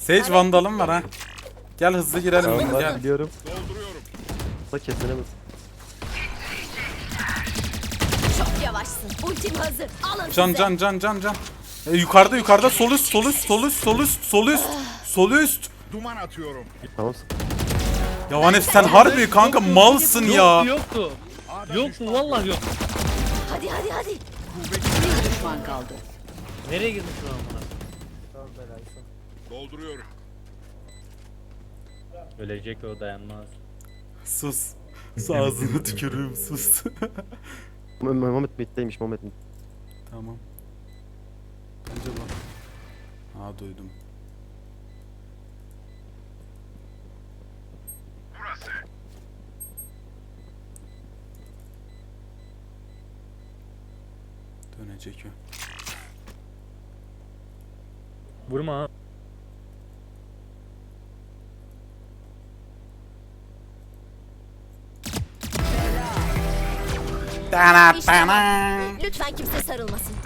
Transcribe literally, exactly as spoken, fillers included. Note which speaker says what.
Speaker 1: Sage vandalım var ha. Gel hızlı girelim.
Speaker 2: Tamam ben
Speaker 1: Gel.
Speaker 2: biliyorum. Da keselemez.
Speaker 3: Çok yavaşsın. Ultim hazır. Alın
Speaker 1: Can
Speaker 3: size.
Speaker 1: can can can can. E, yukarıda yukarıda sol üst sol üst sol üst sol üst sol üst sol üst.
Speaker 4: Duman atıyorum.
Speaker 2: Tamam.
Speaker 1: Ya Vanef sen harbi kanka malsın ya.
Speaker 5: Yoktu yoktu. Yoktu vallahi yok.
Speaker 3: Hadi hadi hadi.
Speaker 6: Bir düşman kaldı.
Speaker 5: Nereye girdin şu an bana?
Speaker 4: Dolduruyorum.
Speaker 5: Ölecek o, dayanmaz.
Speaker 1: Sus. Sus ağzına tükürüğüm sus.
Speaker 2: Muhammed middeymiş Muhammed mid.
Speaker 1: Tamam. Bence bak. Aa duydum. Dönecek o.
Speaker 5: Vurma ha.
Speaker 1: Dana
Speaker 3: İşte
Speaker 1: dana.
Speaker 3: Lütfen kimse sarılmasın.